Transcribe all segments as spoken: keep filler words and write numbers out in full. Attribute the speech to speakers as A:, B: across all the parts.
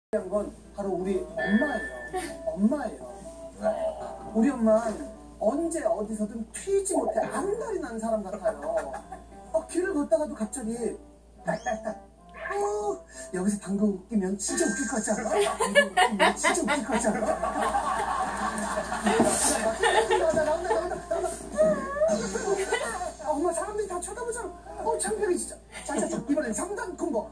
A: 중요한 건 바로 우리 엄마예요. 엄마예요. 우리 엄마는 언제 어디서든 튀지 못해 안달이 나는 사람 같아요. 어, 길을 걷다가도 갑자기 딸딸딸 어, 여기서 방금 웃기면 진짜 웃길 것 같지 않아? 방금 웃기면 진짜 웃길 것 같지 않아? 나온다 나온다 나온다 나온다. 아, 엄마 사람들이 다 쳐다보잖아. 어, 창피하게 진짜. 자자자 이번엔 삼 단 콤보.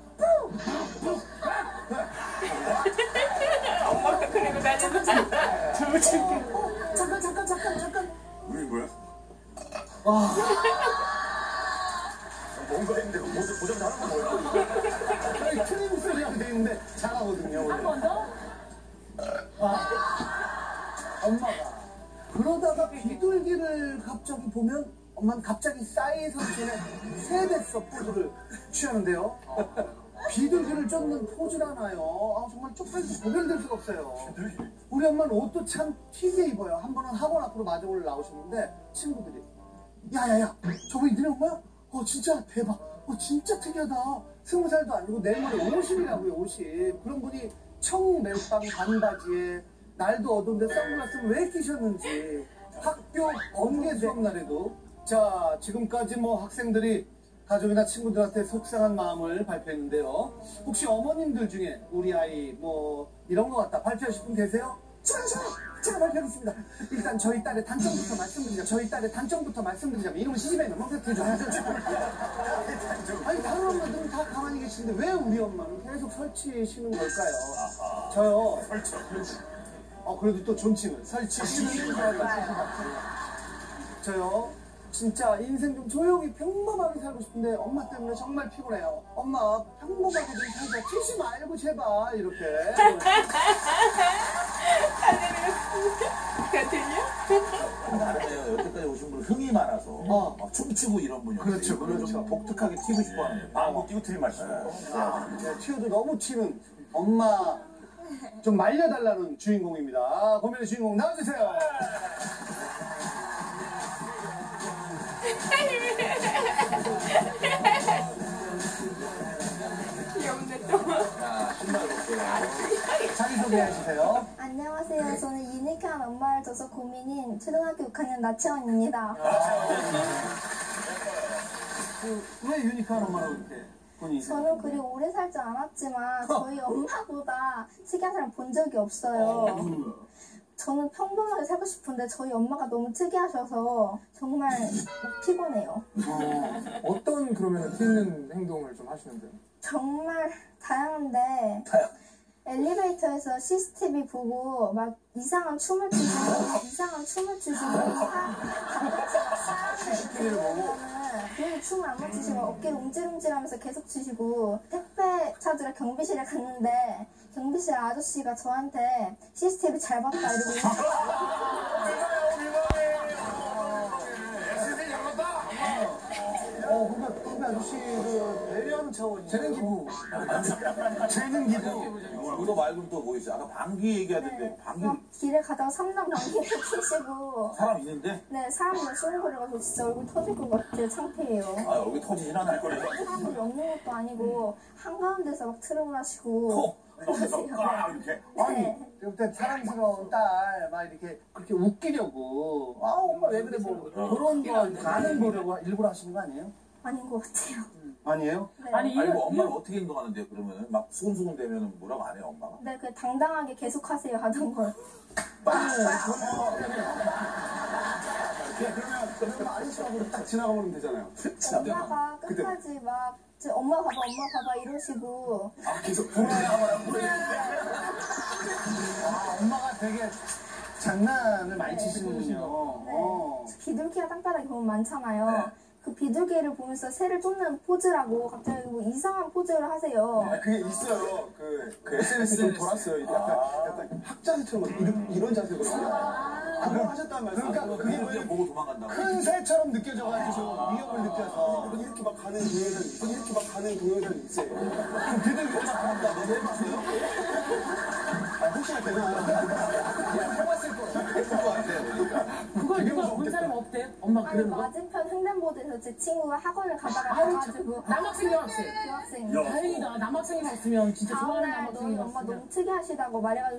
B: 엄마가 그리고 다니는 너무 창피해.
A: 어, 잠깐 잠깐 잠깐 잠깐.
C: 우리 뭐야?
A: 와.
C: 뭔가 했는데 모두 고정 잘하는 거 뭐야?
A: 저희 트림 소리하면 되는데 잘하거든요. 원래.
B: 한 번 더?
A: 아, 엄마가 그러다가 비둘기를 갑자기 보면 엄마는 갑자기 싸이에서 전에 세뱃서 포즈를 취하는데요. 비둘기를 쫓는 포즈라나요. 아, 정말 쪽팔려서 구별될 수가 없어요. 우리 엄마는 옷도 참 튀게 입어요. 한 번은 학원 앞으로 마중을 나오셨는데 친구들이 야야야 저거 너네 엄마야? 어 진짜 대박. 어 진짜 특이하다. 스무 살도 아니고 내일모레 오십이라고요. 오십. 그런 분이 청멜빵 반바지에 날도 어두운데 선글라스를 왜 끼셨는지. 학교 번개 수업 날에도 자 지금까지 뭐 학생들이 가족이나 친구들한테 속상한 마음을 발표했는데요. 혹시 어머님들 중에 우리 아이 뭐 이런 거 같다 발표하실 분 계세요? 저요 저요 제가 발표하겠습니다. 일단 저희 딸의 단점부터 말씀드리자. 저희 딸의 단점부터 말씀드리자면 이놈은 시집에 넘어갔죠. 아니 다른 엄마들은 다 가만히 계시는데 왜 우리 엄마는 계속 설치시는 걸까요? 저요 설치 어 그래도 또 존칭을 설치시는 거예요. 저요 진짜 인생 좀 조용히 평범하게 살고 싶은데 엄마 때문에 정말 피곤해요. 엄마 평범하게 좀 살자. 튀지 말고 제발 이렇게.
C: 근데 여태까지 오신 분은 흥이 많아서
A: 어.
C: 막 춤추고 이런 분이
A: 그렇죠,
C: 이분은
A: 그렇죠.
C: 좀 독특하게 튀고 싶어하는 거예요. 방구 띄고 트림 마시고.
A: 네, 튀어도 너무 튀는 엄마 좀 말려달라는 주인공입니다. 고민의 주인공 나와주세요.
B: 귀여운데 또.
C: 자, 신발 볼게요.
A: 자기소개해주세요.
D: 안녕하세요. 저는 유니크한 엄마를 둬서 고민인 초등학교 육 학년 나채원입니다.
A: 그, 왜 유니크한 엄마라고 이렇게 본인이
D: 저는 그리 오래 살지 않았지만 저희 엄마보다 특이한 사람 본 적이 없어요. 저는 평범하게 살고 싶은데 저희 엄마가 너무 특이하셔서 정말 피곤해요.
E: 어, 어떤 그러면 튀는 행동을 좀 하시는데요?
D: 정말 다양한데 엘리베이터에서 씨씨티비 보고 막 이상한 춤을 추시고 이상한 춤을 추시고
A: 씨씨티비를 보고
D: 괜히 춤을 안 맞추시고 어깨를 움찔움찔하면서 계속 추시고 택배 찾으러 경비실에 갔는데 경비실 아저씨가 저한테 씨씨티비 잘 봤다 이러고
A: 어, 그러니까 그러니까 아저씨를 배려하는 차원이 재능 기부. 재능 기부.
C: 이거 말고는 또 뭐 있어요? 아까 방귀 얘기하던데 방귀
D: 막 길에 가다가 삼남 경기를 피시고
C: 사람 있는데?
D: 네 사람들 쏘는 거를 가서 진짜 얼굴 터질 것 같아요. 창피해요.
C: 아 여기 터지진 않을 거래요.
D: 사람들이 없는 것도 아니고 한가운데서 막 트름을 하시고
C: 톡! 여기서 까 이렇게.
A: 아니, 그때 사랑스러운 딸, 막 이렇게 그렇게 웃기려고. 아, 엄마 왜 그래, 뭐. 그런 거 반응 보려고 일부러 하시는 거 아니에요?
D: 아닌 것 같아요.
A: 아니에요?
D: 네.
B: 아니,
C: 아니
B: 이거,
C: 뭐 엄마는 어떻게 행동하는데요? 그러면은 막 수근수근 되면은 뭐라고 안 해요 엄마가?
D: 네, 그 당당하게 계속하세요 하던 걸.
A: 그러면, 그러면 아저씨하고 딱 지나가면 되잖아요.
D: 엄마가 끝까지 막 저 엄마 봐봐, 엄마 봐봐 이러시고
C: 아 계속 보라야마라 보래.
A: 아, 엄마가 되게 장난을 많이 치시는군요. 어.
D: 비둘기가 땅바닥에 보면 많잖아요. 그 비둘기를 보면서 새를 쫓는 포즈라고 갑자기 뭐 이상한 포즈를 하세요.
A: 아, 그게 있어요. 그, 그 에스엔에스에 좀 돌았어요. 이게 약간, 약간 학자세처럼 이런, 이런 자세거든요. 아, 그럼 하셨단 말이에요. 그러니까 그게
C: 그냥
A: 뭐
C: 보고 도망간다고.
A: 큰 새처럼 느껴져가지고 위협을 느껴서.
F: 이렇게 막 가는 동영상, 이렇게 막 가는 동영상이 있어요.
A: 그럼 비둘기가 나타난다. 너도 해봤어요? 아, 혹시나 되나? 해봤을 거예요.
C: 해볼 것 같아요. 그러니까.
B: 그걸 누가 본 사람 없대? 엄마 그
D: 아니 맞은편 횡단보도에서 제 친구가 학원을 가다가
B: 아유,
D: 가가지고
B: 남학생 여학생.
D: 그 학생
C: 야.
B: 다행이다. 남학생이 없으면 진짜 좋아하는
D: 다음날 너희
B: 남학생이
D: 엄마
B: 없으면.
D: 너무 특이하시다고 말해가지고